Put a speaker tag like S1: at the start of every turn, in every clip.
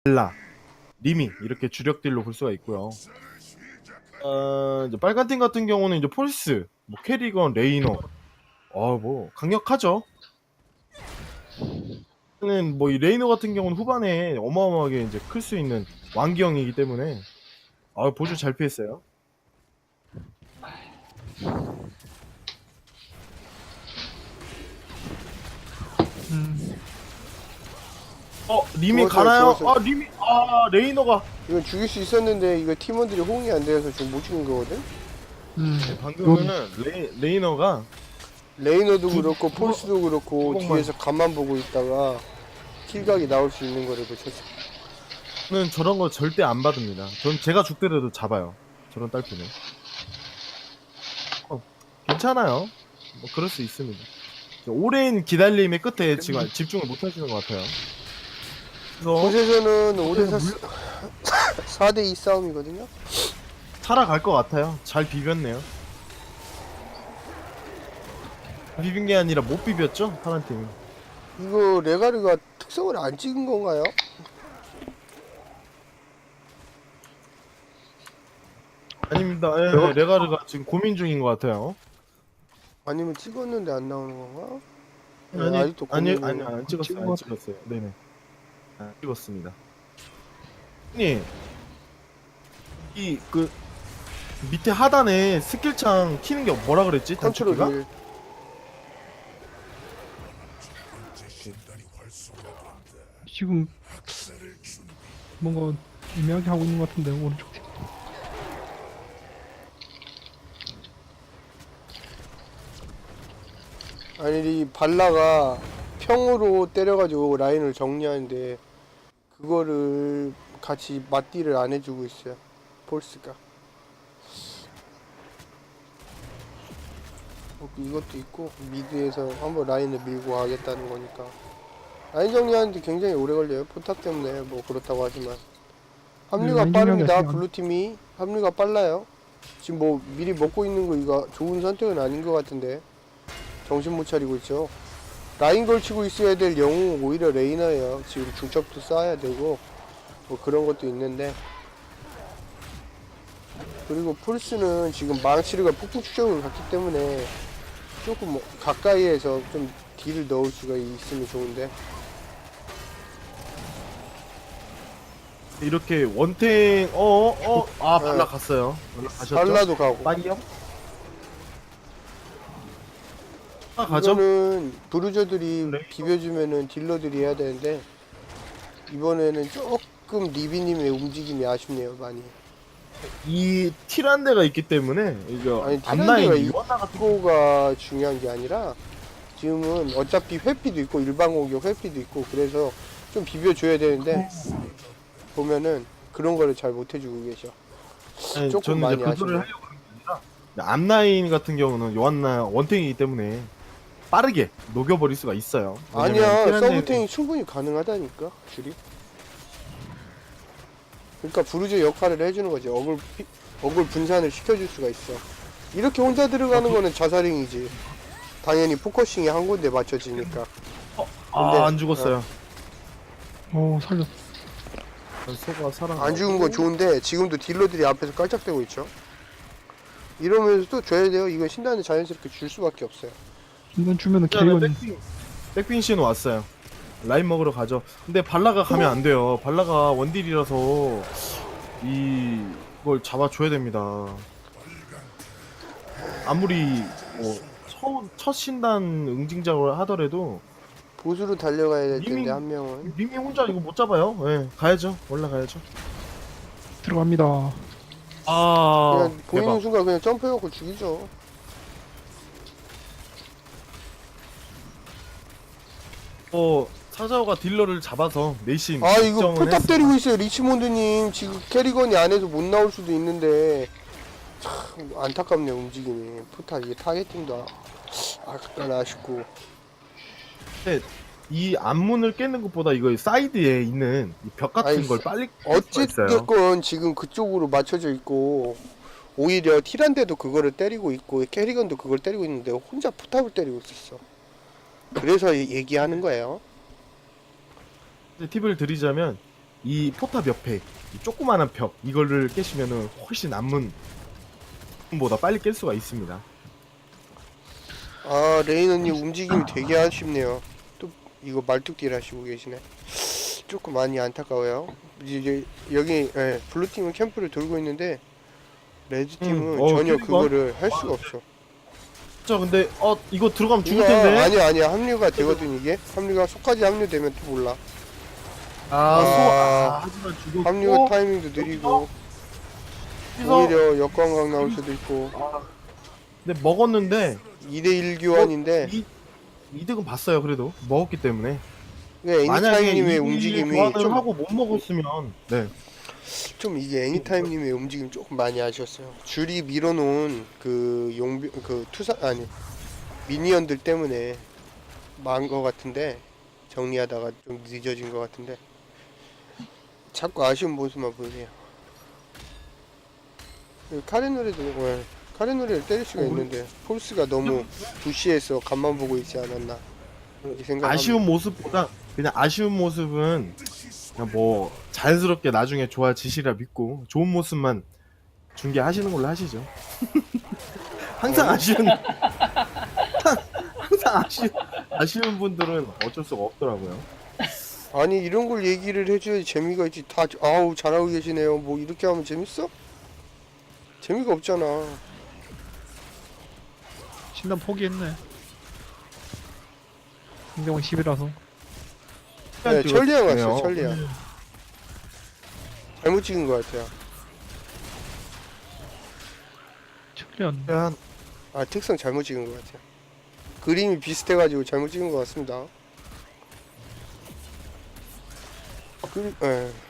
S1: 발라, 리미 이렇게 주력딜로 볼 수가 있고요. 이제 빨간 팀 같은 경우는 이제 폴스, 뭐 캐리건, 레이너, 뭐 강력하죠. 뭐 이 레이너 같은 경우는 후반에 어마어마하게 이제 클 수 있는 왕기형이기 때문에 보조 잘 피했어요. 리미
S2: 죽었어요,
S1: 가나요?
S2: 죽었어요.
S1: 리미 레이너가
S2: 이건 죽일 수 있었는데 이거 팀원들이 호응이 안 돼서 지금 못 죽인 거거든?
S1: 방금은 레이너가
S2: 레이너도
S1: 두-
S2: 그렇고
S1: 두-
S2: 폴스도 그렇고
S1: 두-
S2: 뒤에서 간만 보고 있다가 킬각이 나올 수 있는 거를 놓쳤어.
S1: 는 저런 거 절대 안 받습니다. 전 제가 죽더라도 잡아요. 저런 딸피는. 괜찮아요. 뭐 그럴 수 있습니다. 오랜 기다림의 끝에 지금 집중을 못 하시는 것 같아요. 그래서
S2: 곳에서는 5대4
S1: 물-
S2: 4대2 싸움이거든요?
S1: 살아갈 것 같아요. 잘 비볐네요. 비빈 게 아니라 못 비볐죠? 파란 팀이.
S2: 이거 레가르가 특성을 안 찍은 건가요?
S1: 아닙니다. 레가르가 지금 고민 중인 것 같아요.
S2: 아니면 찍었는데 안 나오는 건가? 네,
S1: 아니,
S2: 아직도
S1: 아니,
S2: 고민 중이에요.
S1: 안 찍었어요. 안 찍었어요. 네네. 안 찍었습니다. 형님, 밑에 하단에 스킬창 키는 게 뭐라 그랬지?
S2: 컨트롤
S1: 단축키가?
S2: 1.
S3: 지금 뭔가 애매하게 하고 있는 것 같은데 오른쪽 팀.
S2: 아니 이 발라가 평으로 때려가지고 라인을 정리하는데 그거를 같이 맞디를 안 해주고 있어요. 폴스가. 이것도 있고 미드에서 한번 라인을 밀고 가겠다는 거니까 라인 정리하는데 굉장히 오래 걸려요. 포탑 때문에 뭐 그렇다고 하지만 합류가
S3: 라인
S2: 빠릅니다.
S3: 정리하시면.
S2: 블루팀이 합류가 빨라요. 지금 뭐 미리 먹고 있는 거 이거 좋은 선택은 아닌 것 같은데 정신 못 차리고 있죠. 라인 걸치고 있어야 될 영웅 오히려 레이너예요. 지금 중첩도 쌓아야 되고 뭐 그런 것도 있는데 그리고 폴스는 지금 망치르가 폭풍 추적을 갔기 때문에 조금 뭐 가까이에서 좀 딜을 넣을 수가 있으면 좋은데
S1: 이렇게 원탱 발라 갔어요. 발라 가셨죠?
S2: 발라도 가고
S1: 빨리요? 가죠?
S2: 이거는 브루저들이
S1: 네.
S2: 비벼주면은 딜러들이 해야 되는데 이번에는 조금 리비님의 움직임이 아쉽네요 많이.
S1: 이 티란데가 있기 때문에 이거
S2: 아니
S1: 앞라인
S2: 티란데가
S1: 이원나 같은
S2: 이거가 중요한 게 아니라 지금은 어차피 회피도 있고 일반 공격 회피도 있고 그래서 좀 비벼줘야 되는데 보면은 그런 거를 잘 못해주고 계셔.
S1: 아니,
S2: 조금
S1: 저는
S2: 많이
S1: 이제 그거를
S2: 아쉽네.
S1: 하려고 하는 게 아니라 앞라인 같은 경우는 요한나 원탱이기 때문에 빠르게 녹여버릴 수가 있어요. 왜냐면
S2: 아니야
S1: 티란데-
S2: 서브탱이 충분히 가능하다니까 줄이. 그러니까 브루저 역할을 해주는 거지. 어글 분산을 시켜줄 수가 있어. 이렇게 혼자 들어가는 거는 자살행이지. 당연히 포커싱이 한 군데 맞춰지니까. 근데-
S1: 안 죽었어요.
S3: 살렸어.
S1: 소가 살아.
S2: 안 죽은 건 좋은데 지금도 딜러들이 앞에서 깔짝대고 있죠. 이러면서 또 줘야 돼요. 이건 신단에 자연스럽게 줄 수밖에 없어요.
S3: 인간 주면은
S1: 그다음에
S3: 캐리건
S1: 백빈 씨는 왔어요. 라인 먹으러 가죠. 근데 발라가 가면 안 돼요. 발라가 원딜이라서 이걸 잡아줘야 됩니다. 아무리 첫 신단 응징작을 하더라도
S2: 보수로 달려가야 될 텐데
S1: 이미-
S2: 한 명은.
S1: 님이 혼자 이거 못 잡아요. 예, 가야죠. 올라가야죠.
S3: 들어갑니다.
S2: 그냥 보이는
S1: 대박.
S2: 순간 그냥 점프해갖고 죽이죠.
S1: 사자오가 딜러를 잡아서 내심
S2: 아 이거
S1: 걱정은
S2: 포탑
S1: 했어.
S2: 때리고 있어요 리치몬드님. 지금 캐리건이 안에서 못 나올 수도 있는데 참 안타깝네 움직임이. 포탑 이게 타겟팅도 약간 아쉽고.
S1: 근데 이 앞문을 깨는 것보다 이거 사이드에 있는 이 벽 같은
S2: 아니,
S1: 걸 빨리 깰 수가 있어요.
S2: 어쨌든 지금 그쪽으로 맞춰져 있고 오히려 티란데도 그거를 때리고 있고 캐리건도 그걸 때리고 있는데 혼자 포탑을 때리고 있었어. 그래서 얘기하는 거예요.
S1: 팁을 드리자면 이 포탑 옆에 이 조그마한 벽 이거를 깨시면은 훨씬 보다 빨리 깰 수가 있습니다.
S2: 아 레이너님 움직임이 되게 아쉽네요. 또 이거 말뚝딜 하시고 계시네. 조금 많이 안타까워요. 이제 여기 블루팀은 캠프를 돌고 있는데 레드팀은 전혀
S1: 그러니까.
S2: 그거를 할 수가 없어.
S1: 자, 근데 이거 들어가면 죽을
S2: 이거
S1: 텐데.
S2: 아니야 합류가 되거든. 이게 합류가 속까지 합류되면 또 몰라.
S1: 하지만 죽었고.
S2: 합류 타이밍도 느리고
S1: 여기서
S2: 오히려 역광각 나올 수도 있고.
S1: 근데 먹었는데
S2: 2대1 교환인데
S1: 이득은 봤어요. 그래도 먹었기 때문에.
S2: 애니타임님의
S1: 만약에
S2: 움직임이
S1: 교환을
S2: 좀,
S1: 하고 못 먹었으면 네.
S2: 좀 이게 애니타임님의 움직임 조금 많이 아쉬웠어요. 줄이 밀어놓은 그 용병 그 투사 아니 미니언들 때문에 망한 것 같은데 정리하다가 좀 늦어진 것 같은데 자꾸 아쉬운 모습만 보이네요. 카레노레도 카레노레를 때릴 수가 있는데 폴스가 너무 부시해서 간만 보고 있지 않았나 이렇게 생각합니다.
S1: 아쉬운 모습보다 그냥 아쉬운 모습은 그냥 뭐 자연스럽게 나중에 좋아지시라 믿고 좋은 모습만 중계하시는 걸로 하시죠. 항상 항상 아쉬운 분들은 어쩔 수가 없더라고요.
S2: 아니 이런 걸 얘기를 해줘야지 재미가 있지. 다 아우 잘하고 계시네요 뭐 이렇게 하면 재밌어? 재미가 없잖아.
S3: 신단 포기했네. 상대방 10이라서.
S2: 네, 천리안
S1: 찍었네요.
S2: 왔어 천리안. 잘못 찍은 것 같아요.
S3: 철련.
S1: 그냥
S2: 아 특성 잘못 찍은 것 같아요. 그림이 비슷해가지고 잘못 찍은 것 같습니다. 예.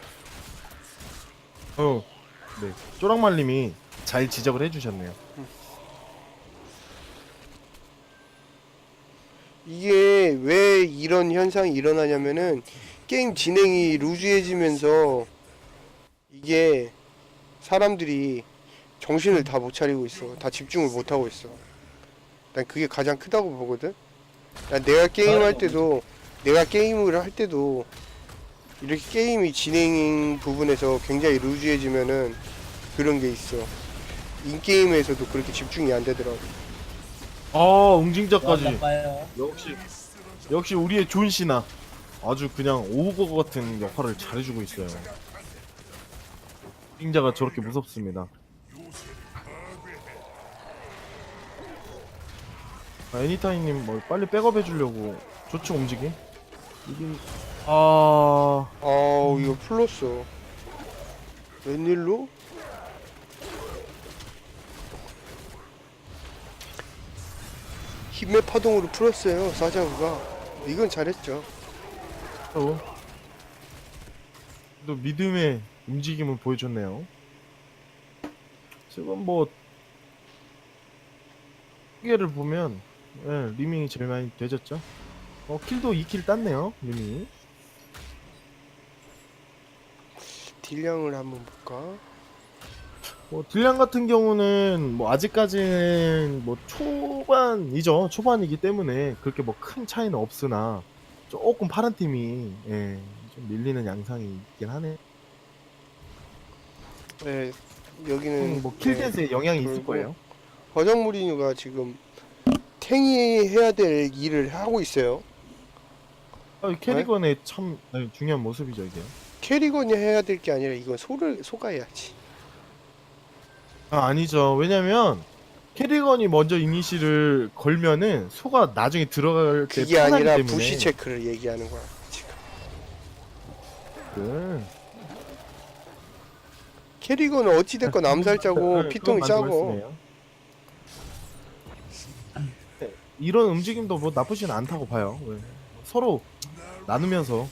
S1: 네. 쪼랑말님이 잘 지적을 해주셨네요.
S2: 이게 왜 이런 현상이 일어나냐면은 게임 진행이 루즈해지면서 이게 사람들이 정신을 다 못 차리고 있어. 다 집중을 못 하고 있어. 난 그게 가장 크다고 보거든. 난 내가 게임할 때도 이렇게 게임이 진행 부분에서 굉장히 루즈해지면은 그런 게 있어. 인게임에서도 그렇게 집중이 안 되더라고.
S1: 웅징자까지.
S4: 나빠요.
S1: 역시 우리의 존 씨나 아주 그냥 오거 같은 역할을 잘해주고 있어요. 웅징자가 저렇게 무섭습니다. 애니타임님 뭐 빨리 백업 해주려고 좋죠 움직임? 이게
S2: 아우 이거 풀렸어. 웬일로? 힘의 파동으로 풀었어요 사자구가. 이건 잘했죠.
S1: 또 믿음의 움직임을 보여줬네요. 지금 뭐 기계를 보면 리밍이 제일 많이 되졌죠. 킬도 2킬 땄네요 리밍이.
S2: 딜량을 한번 볼까?
S1: 뭐 딜량 같은 경우는 뭐 아직까지는 뭐 초반이기 때문에 그렇게 뭐 큰 차이는 없으나 조금 파란 팀이 좀 밀리는 양상이 있긴 하네.
S2: 네 여기는
S1: 뭐 킬댄스에 영향이 있을 거예요.
S2: 버정 무리뉴가 지금 탱이 해야 될 일을 하고 있어요.
S1: 캐리건의 참 중요한 모습이죠 이게.
S2: 캐리건이 해야 될 게 아니라 이건 소가 해야지.
S1: 아니죠. 왜냐면 캐리건이 먼저 이니시를 걸면은 소가 나중에 들어갈 때
S2: 그게
S1: 편하기
S2: 아니라
S1: 때문에.
S2: 부시 체크를 얘기하는 거야 지금. 캐리건은 어찌됐건 암살자고 피통이 짜고.
S1: 이런 움직임도 뭐 나쁘진 않다고 봐요. 왜? 서로 나누면서.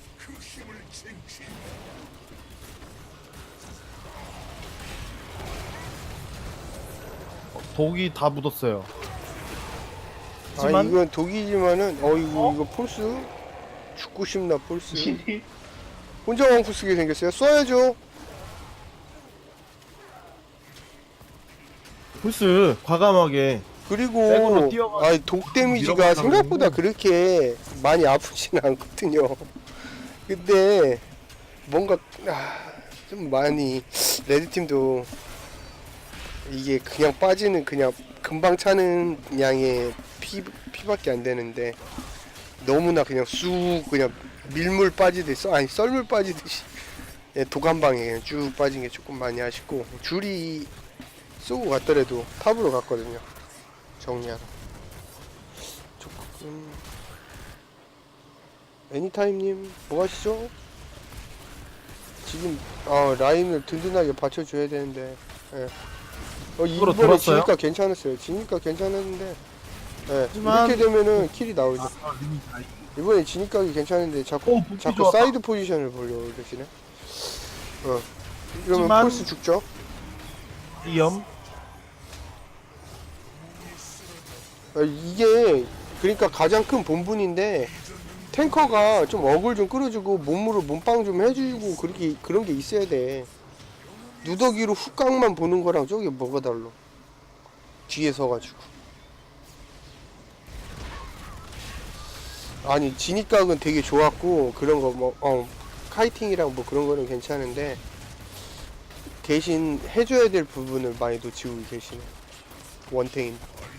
S1: 독이 다 묻었어요.
S2: 아 이건 독이지만은 이거 폴스 죽고 싶나 폴스. 혼자 왕푸 쓰게 생겼어요. 쏴야죠.
S1: 풀스 과감하게.
S2: 그리고
S1: 백으로 뛰어가지고
S2: 독 데미지가
S1: 밀어버리라고
S2: 생각보다
S1: 했는데.
S2: 그렇게 많이 아프진 않거든요. 근데 뭔가 좀 많이 레드팀도 이게 그냥 빠지는 그냥 금방 차는 양의 피밖에 안 되는데 너무나 그냥 쑥 그냥 밀물 빠지듯이 아니 썰물 빠지듯이 예, 도감방에 그냥 쭉 빠진 게 조금 많이 아쉽고 줄이 쏘고 갔더라도 탑으로 갔거든요. 정리하러 조금 애니타임님 뭐 하시죠? 지금 라인을 든든하게 받쳐줘야 되는데 예.
S1: 이거로
S2: 이번에
S1: 돌았어요?
S2: 지니까 괜찮았어요. 지니까 괜찮았는데 예.
S1: 하지만-
S2: 이렇게 되면은 킬이 나오죠.
S1: 리미 다이.
S2: 이번에 지니까 괜찮은데 자꾸
S1: 복귀
S2: 자꾸
S1: 좋았다.
S2: 사이드 포지션을 보려고 그러시네. 이러면
S1: 하지만-
S2: 폴스 죽죠.
S1: 위험.
S2: 이게 그러니까 가장 큰 본분인데 탱커가 좀 어글 좀 끌어주고 몸으로 몸빵 좀 해주고 그런 게 있어야 돼. 누더기로 훅각만 보는 거랑 저게 뭐가 달라? 뒤에 서가지고. 아니 진입각은 되게 좋았고 그런 거 뭐 카이팅이랑 뭐 그런 거는 괜찮은데 대신 해줘야 될 부분을 많이 놓치고 계시네. 원탱인.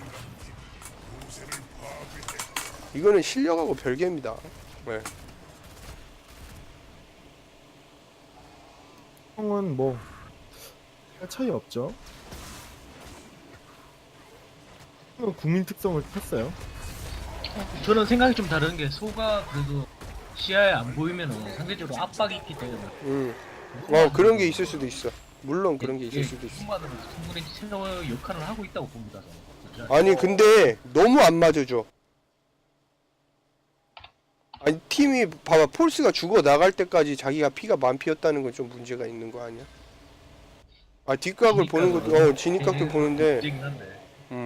S2: 이거는 실력하고 별개입니다. 네.
S1: 형은 뭐 별 차이 없죠. 형은 국민 특성을 탔어요.
S4: 저는 생각이 좀 다른 게 소가 그래도 시야에 안 보이면은 상대적으로 압박이 있기 때문에
S2: 그런 게 있을 수도 있어. 물론 그런 게 있을 수도 있어.
S4: 소만으로 충분히 최저 역할을 하고 있다고 봅니다. 저는.
S2: 아니 근데 너무 안 맞아줘. 아니 팀이 봐봐 폴스가 죽어 나갈 때까지 자기가 피가 만피였다는 건 좀 문제가 있는 거 아니야? 뒷각을 보는 것도 진입각도 보는데
S4: 문제긴 한데.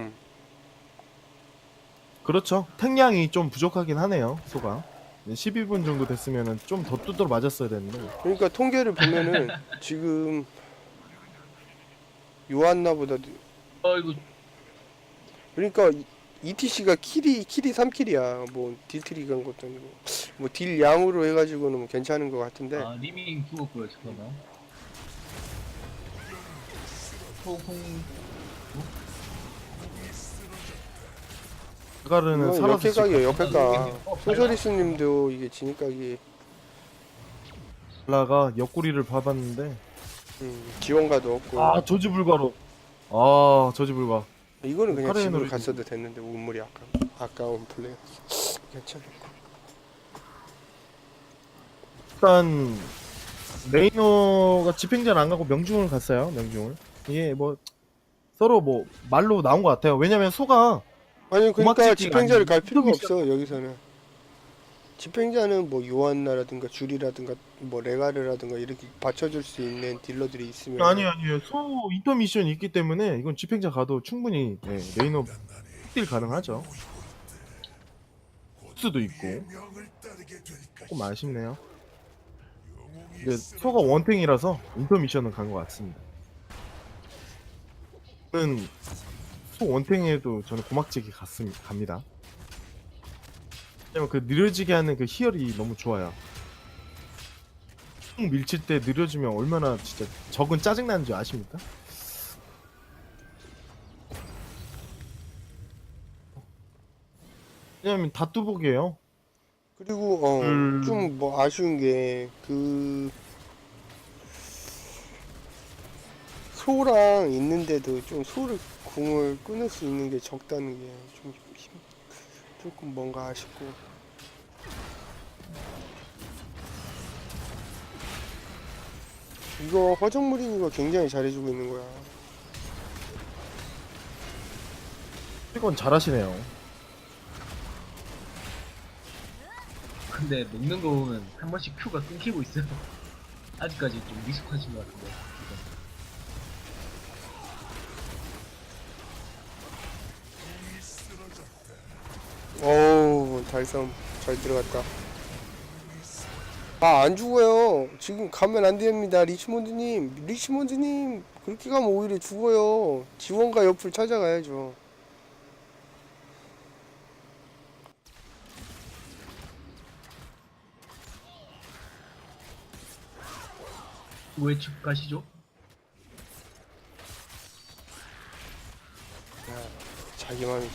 S1: 그렇죠. 탱량이 좀 부족하긴 하네요. 소가 12분 정도 됐으면은 좀 더 두드러 맞았어야 되는데.
S2: 그러니까 통계를 보면은 지금 요한나보다
S4: 이거
S2: 그러니까 ETC가 킬이 3킬이야. 뭐 딜트리 간 것도 아니고 뭐 딜 양으로 해가지고는 뭐 괜찮은 것 같은데
S4: 리밍 죽었고요 잠깐만. 소공
S1: 가르는
S2: 이건
S1: 살아서
S2: 역회각이에요.
S1: 지금
S2: 역회각. 소저리스님도 이게 진입각이
S1: 라가 옆구리를 봐봤는데
S2: 지원가도 없고
S1: 저지불가로 저지불가.
S2: 이거는 그냥
S1: 카레인으로
S2: 집으로 갔어도 됐는데 운물이 아까운 플레이 괜찮았고
S1: 일단 레이노가 집행전 안 가고 명중을 갔어요. 명중을. 이게 뭐 서로 뭐 말로 나온 것 같아요. 왜냐면 소가
S2: 아니 그러니까
S1: 고막지기가
S2: 집행자를
S1: 아니고
S2: 갈 필요가
S1: 미션.
S2: 없어 여기서는 집행자는 뭐 요한나라든가 줄이라든가 뭐 레가르라든가 이렇게 받쳐줄 수 있는 딜러들이 있으면
S1: 아니에요. 소 인터미션이 있기 때문에 이건 집행자 가도 충분히 레이노 딜 가능하죠. 수도 있고 조금 아쉽네요. 근데 소가 원탱이라서 인터미션은 간 것 같습니다. 저는 소 원탱에도 저는 고막지기 갑니다. 왜냐면 그 느려지게 하는 그 희열이 너무 좋아요. 총 밀칠 때 느려지면 얼마나 진짜 적은 짜증나는 줄 아십니까? 왜냐면 다 뚜벅이에요.
S2: 그리고 좀 뭐 아쉬운 게 그 소랑 있는데도 좀 소를 궁을 끊을 수 있는 게 적다는 게 좀 조금 뭔가 아쉽고 이거 허정무리니가 굉장히 잘해주고 있는 거야.
S1: 이건 잘하시네요.
S4: 근데 먹는 거 보면 한 번씩 큐가 끊기고 있어요. 아직까지 좀 미숙하신 것 같은데.
S2: 어우 달섬 잘 들어갔다. 안 죽어요. 지금 가면 안 됩니다. 리치몬드님 그렇게 가면 오히려 죽어요. 지원가 옆을 찾아가야죠.
S4: 왜 집 가시죠?
S2: 자기 맘이지.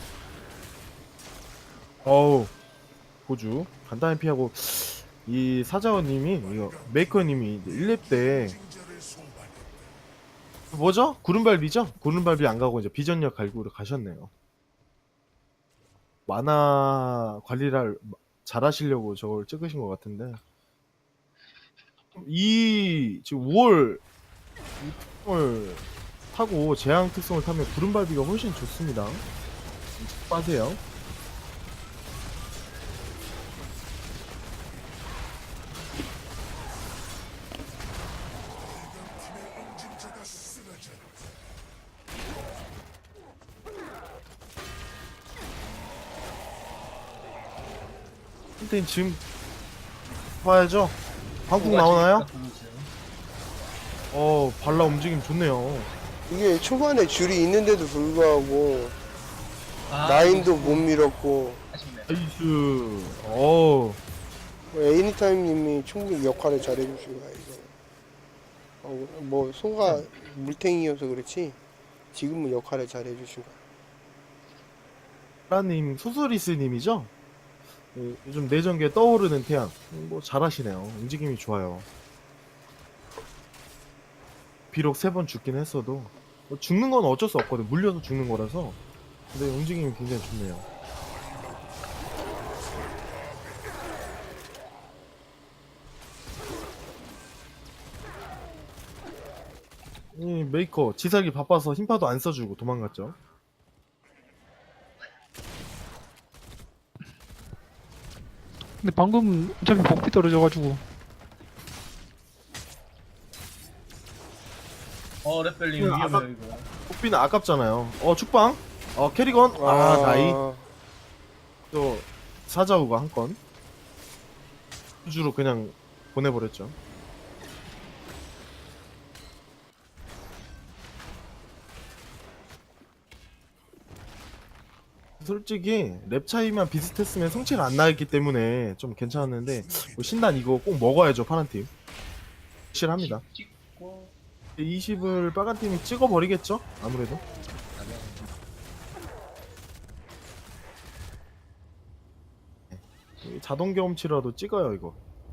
S1: 어우 고주 간단히 피하고 이 사자원님이 이거 메이커님이 1렙 때 뭐죠? 구름발비죠? 구름발비 안 가고 이제 비전력 갈구로 가셨네요. 만화 관리를 잘 하시려고 저걸 찍으신 것 같은데 이 지금 5월 이 특성을 타고 재앙 특성을 타면 구름발비가 훨씬 좋습니다. 빠세요. 근데 지금 봐야죠. 방국 나오나요? 발라 움직임 좋네요.
S2: 이게 초반에 줄이 있는데도 불구하고 라인도 못 밀었고
S4: 아쉽네.
S1: 나이스. 어우
S2: 애니타임님이 충분히 역할을 잘해주신 거야 이거. 뭐 소가 물탱이여서 그렇지 지금은 역할을 잘해주신 거야.
S1: 라님 소소리스님이죠? 요즘 내전기에 떠오르는 태양. 뭐 잘하시네요. 움직임이 좋아요. 비록 3번 죽긴 했어도 뭐 죽는 건 어쩔 수 없거든. 물려서 죽는 거라서. 근데 움직임이 굉장히 좋네요. 이 메이커 지사기 바빠서 힘파도 안 써주고 도망갔죠.
S3: 근데 방금 어차피 복비 떨어져가지고
S4: 랩벨링
S1: 이거 아까-
S4: 위험해요 이거.
S1: 복비는 아깝잖아요. 축방. 캐리건. 나이. 또 사자우가 한 건. 우주로 그냥 보내버렸죠. 솔직히 랩 차이만 비슷했으면 성취가 안 나있기 때문에 좀 괜찮았는데 뭐 신난 이거 꼭 먹어야죠. 파란팀 확실합니다.
S4: 찍고
S1: 20을 빨간팀이 찍어버리겠죠? 아무래도. 자동 경험치라도 찍어요 이거.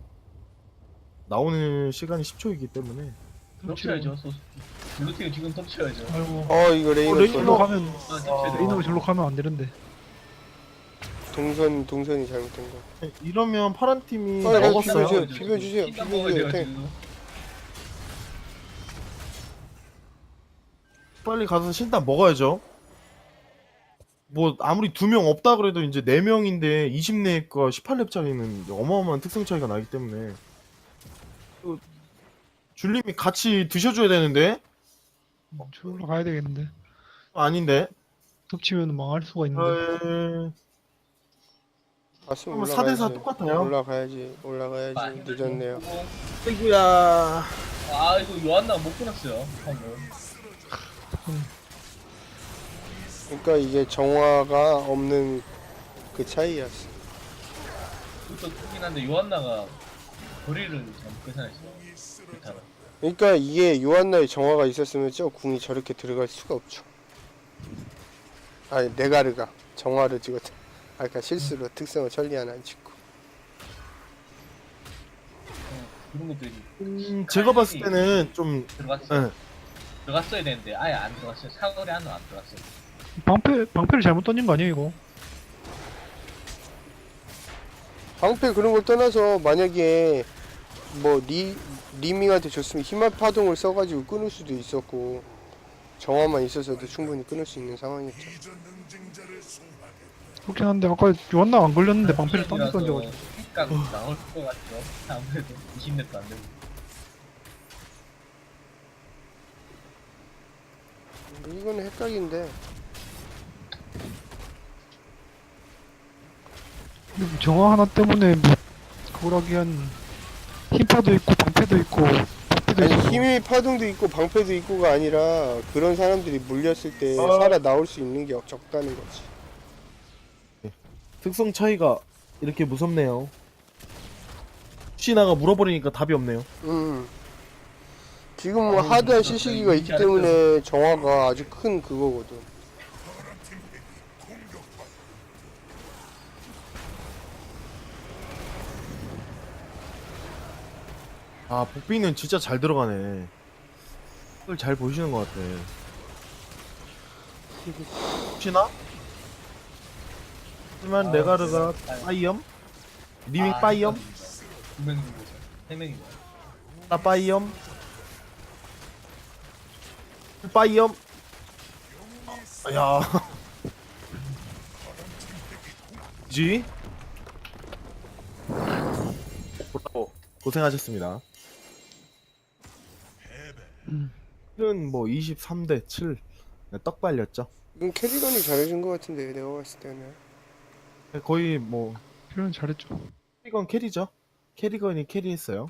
S1: 나오는 시간이 10초이기 때문에.
S4: 덮쳐야죠. 블루팀 지금 덮쳐야죠.
S3: 아이고
S2: 이거 레이너
S1: 레이너.
S3: 절로 가면
S4: 덮쳐야
S3: 레이너가
S4: 돼요.
S3: 절로 가면 안 되는데.
S2: 동선이 잘못된 거.
S1: 이러면 파란팀이
S2: 빨리
S1: 먹었어요.
S2: 비벼주세요.
S4: 신난 먹어야 돼요
S2: 탱.
S4: 지금.
S1: 빨리 가서 신단 먹어야죠. 뭐 아무리 2명 없다 그래도 이제 4명인데 20렙과 18렙짜리는 어마어마한 특성 차이가 나기 때문에 줄님이 같이 드셔줘야 되는데.
S3: 절로 가야 되겠는데.
S1: 아닌데.
S3: 덮치면 망할 수가 있는데.
S2: 봤으면
S1: 4대4 똑같아요.
S2: 올라가야지. 늦었네요.
S1: 아이구야.
S4: 이거 요한나 못 끊었어요. 방금.
S2: 그러니까 이게 정화가 없는 그 차이였어.
S4: 또 크긴 한데 요한나가 거리를 잘못 계산했어. 그렇다면.
S2: 그러니까 이게 요한나의 정화가 있었으면 저 궁이 저렇게 들어갈 수가 없죠. 아니 네가르가 정화를 찍었다. 그러니까 실수로 특성을 천리안 안 찍고.
S4: 그런 것들이
S1: 제가 봤을 때는 좀
S4: 들어갔어요.
S1: 예.
S4: 들어갔어야 되는데 아예 안 들어갔어요. 사거리 안으로 안 들어갔어요.
S3: 방패를 잘못 던진 거 아니에요 이거?
S2: 방패 그런 걸 떠나서 만약에 뭐 리밍한테 줬으면 희망 파동을 써가지고 끊을 수도 있었고 정화만 있어서도 충분히 끊을 수 있는 상황이었죠.
S3: 그렇긴 한데 아까 요한나 안 걸렸는데 방패를 던져가지고.
S4: 각 나올 것 같죠. 아무래도 20렙도 안 되고.
S2: 이거는 헷갈린데
S3: 정화 하나 때문에 뭐 그걸 하기엔 힘파도 있고 방패도 있고 방패도
S2: 아니
S3: 있고.
S2: 힘의 파동도 있고 방패도 있고가 아니라 그런 사람들이 물렸을 때 살아 나올 수 있는 게 적다는 거지.
S1: 특성 차이가 이렇게 무섭네요. 시나가 물어버리니까 답이 없네요.
S2: 지금 뭐 하드한 CC기가 있기 때문에 정화가 아주 큰 그거거든.
S1: 아, 복비는 진짜 잘 들어가네. 그걸 잘 보시는 것 같아. 혹시나? 하지만 레가르가 빠이엄? 리밍 빠이엄?
S4: 2명인 거죠. 3명인 거야.
S1: 나 빠이엄? 빠이엄? 야. 지? 고생하셨습니다. 는 뭐 23대 7. 떡 발렸죠.
S2: 이건 캐리건이 잘해준 것 같은데 내가 봤을 때는.
S1: 거의 뭐
S3: 표현 잘했죠.
S1: 캐리건 캐리죠. 캐리건이 캐리했어요.